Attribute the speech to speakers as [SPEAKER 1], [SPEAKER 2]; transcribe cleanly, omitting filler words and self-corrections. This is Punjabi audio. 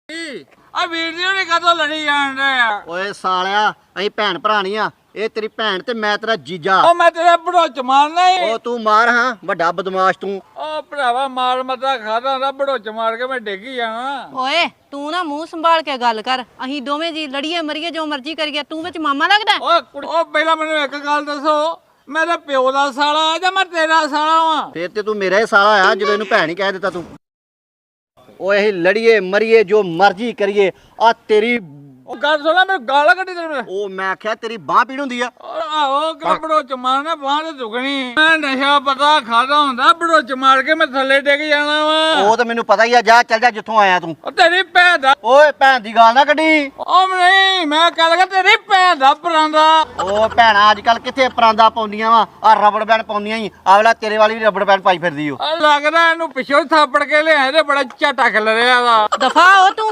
[SPEAKER 1] ਆ ਵੀਡੀਓ ਨੇ ਕਦੋਂ ਲੜੀ ਜਾਣ ਰਿਹਾ
[SPEAKER 2] ਓਏ ਸਾਲਿਆ ਅਸੀਂ ਭੈਣ ਭਰਾ ਨਹੀਂ ਆ ਇਹ ਤੇਰੀ ਭੈਣ ਤੇ ਮੈਂ ਤੇਰਾ ਜੀਜਾ
[SPEAKER 1] ਉਹ ਮੈਂ ਤੇਰਾ ਭੜੋਚ ਮਾਰਨਾ ਹੀ
[SPEAKER 2] ਉਹ ਤੂੰ ਮਾਰ ਹਾਂ ਵੱਡਾ ਬਦਮਾਸ਼ ਤੂੰ
[SPEAKER 1] ਉਹ ਭਰਾਵਾ ਮਾਰ ਮਤਾ ਖਾਦਾ ਦਾ ਭੜੋਚ ਮਾਰ ਕੇ ਮੈਂ ਡਿੱਗ ਹੀ ਜਾਣਾ
[SPEAKER 3] ਓਏ ਤੂੰ ਨਾ ਮੂੰਹ ਸੰਭਾਲ ਕੇ ਗੱਲ ਕਰ ਅਸੀਂ ਦੋਵੇਂ ਜੀ ਲੜੀਏ ਮਰੀਏ ਜੋ ਮਰਜ਼ੀ ਕਰੀਏ ਤੂੰ ਵਿੱਚ ਮਾਮਾ ਲੱਗਦਾ
[SPEAKER 1] ਉਹ ਪਹਿਲਾਂ ਮੈਨੂੰ ਇੱਕ ਗੱਲ ਦੱਸੋ ਮੇਰਾ ਪਿਓ ਦਾ ਸਾਲਾ ਜਾਂ ਮੈਂ ਤੇਰਾ ਸਾਲਾ ਵਾਂ
[SPEAKER 2] ਫੇਰ ਤੇ ਤੂੰ ਮੇਰਾ ਹੀ ਸਾਲਾ ਆ ਜਦੋਂ ਇਹਨੂੰ ਭੈਣ ਹੀ ਕਹਿ ਦਿੱਤਾ ਤੂੰ ਓਏ ਅਸੀਂ ਲੜੀਏ ਮਰੀਏ ਜੋ ਮਰਜ਼ੀ ਕਰੀਏ ਆ ਤੇਰੀ
[SPEAKER 1] ਉਹ ਗੱਲ ਸੁਣਾ ਮੈਨੂੰ ਗਾਲਾਂ ਕੱਢੀ ਤੇਰੇ
[SPEAKER 2] ਉਹ ਮੈਂ ਆਖਿਆ ਤੇਰੀ ਬਾਹ ਪੀੜ ਹੁੰਦੀ ਆ
[SPEAKER 1] ਆਹੋ ਭੜੋਚ ਮਾਰਨਾ ਬਾਂਹ ਤੇ ਦੁਗਣੀ ਮੈਂ ਨਸ਼ਾ ਪਤਾ ਖਾਦਾ ਹੁੰਦਾ ਭੜੋਚ ਮਾਰ ਕੇ ਮੈਂ ਥੱਲੇ ਡਿੱਗ ਜਾਣਾ ਵਾ
[SPEAKER 2] ਉਹ ਤਾਂ ਮੈਨੂੰ ਪਤਾ ਹੀ ਆ ਜਾ ਚੱਲ ਜਾ ਜਿੱਥੋਂ ਆਇਆ ਤੂੰ
[SPEAKER 1] ਉਹ ਤੇਰੀ ਭੈਣ ਦਾ
[SPEAKER 2] ਓਏ ਭੈਣ ਦੀ ਗਾਲ ਨਾ ਕੱਢੀ
[SPEAKER 1] ਉਹ ਨਹੀਂ ਮੈਂ ਕਹਿ ਲਗਾ ਤੇਰੀ ਭੈਣ ਦਾ ਪਰਾਂਦਾ
[SPEAKER 2] ਉਹ ਭੈਣਾਂ ਅੱਜ ਕੱਲ ਕਿੱਥੇ ਪਰਾਂਦਾ ਪਾਉਂਦੀਆਂ ਵਾ ਆ ਰਬੜ ਬੈਂਡ ਪਾਉਂਦੀਆਂ ਹੀ ਆਵਲਾ ਤੇਰੇ ਵਾਲੀ ਵੀ ਰਬੜ ਬੈਂਡ ਪਾਈ ਫਿਰਦੀ ਓ
[SPEAKER 1] ਲੱਗਦਾ ਇਹਨੂੰ ਪਿੱਛੋਂ ਥਾਪੜ ਕੇ ਲਿਆਏ ਤੇ ਬੜਾ ਝਾਟਾ ਖਿਲ ਰਿਹਾ ਵਾ
[SPEAKER 3] ਦਫਾ ਹੋ ਤੂੰ